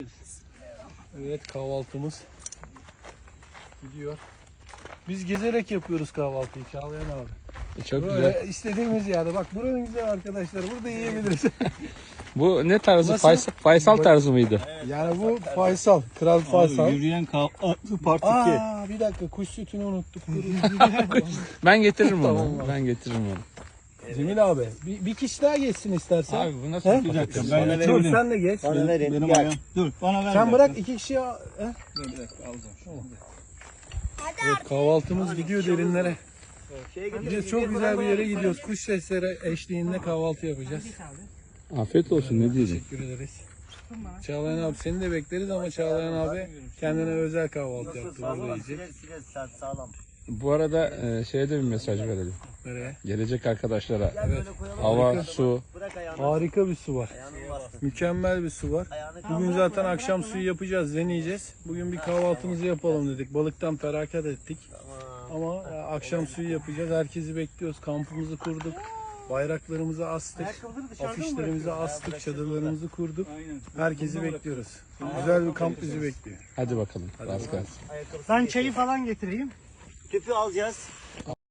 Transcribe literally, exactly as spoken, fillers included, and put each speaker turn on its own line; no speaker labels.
Evet, kahvaltımız gidiyor. Biz gezerek yapıyoruz kahvaltıyı Çağlayan abi.
Çok
Böyle
güzel.
istediğimiz yerde. Bak buranın güzel arkadaşlar. Burada yiyebiliriz.
Bu ne tarzı?
Nasıl?
Faysal, Faysal tarzı mıydı?
Yani bu Faysal. Kral Faysal.
Abi, yürüyen kahvaltı part iki.
Aa, bir dakika, kuş sütünü unuttuk.
Ben getiririm onu.
Tamam abi.
Ben getiririm onu.
Cemil abi bir, bir kişi daha geçsin istersen.
Abi bu nasıl
He?
bir
Bir dakika,
patates?
ben
Dur
verebilirim.
sen de geç.
Bana verin.
Benim
Gel.
ayağım. Dur bana ver.
Sen
bir
bırak
dakika.
iki kişiye. He?
Dur bir dakika alacağım.
Evet, kahvaltımız gidiyor derinlere.
Şeye gidelim,
Gidiyoruz, çok güzel bir yere gidiyoruz. Kuş sesleri eşliğinde kahvaltı yapacağız.
Afiyet olsun, ne diyeceğim.
Teşekkür ederiz. Çağlayan abi seni de bekleriz ama Çağlayan abi kendine özel kahvaltı yaptı. Burada yiyecek.
Siler siler sağ- sağlam.
Bu arada e, şeye de bir mesaj verelim.
Nereye?
Gelecek arkadaşlara.
Gel böyle koyalım.
Hava, su.
Bırak ayağını.
Harika bir su var.
Ayağını bastır.
Mükemmel bir su var.
Ayağını
Bugün zaten akşam suyu yapacağız, deneyeceğiz. Bugün bir kahvaltımızı yapalım dedik. Balıktan feragat ettik. Ama e, akşam suyu yapacağız. Herkesi bekliyoruz. Kampımızı kurduk. Bayraklarımızı astık. Afişlerimizi astık. Çadırlarımızı kurduk. Herkesi bekliyoruz. Güzel bir kamp bizi bekliyor.
Hadi bakalım. Rast gelsin.
Ben çayı falan getireyim. Tüpü alacağız.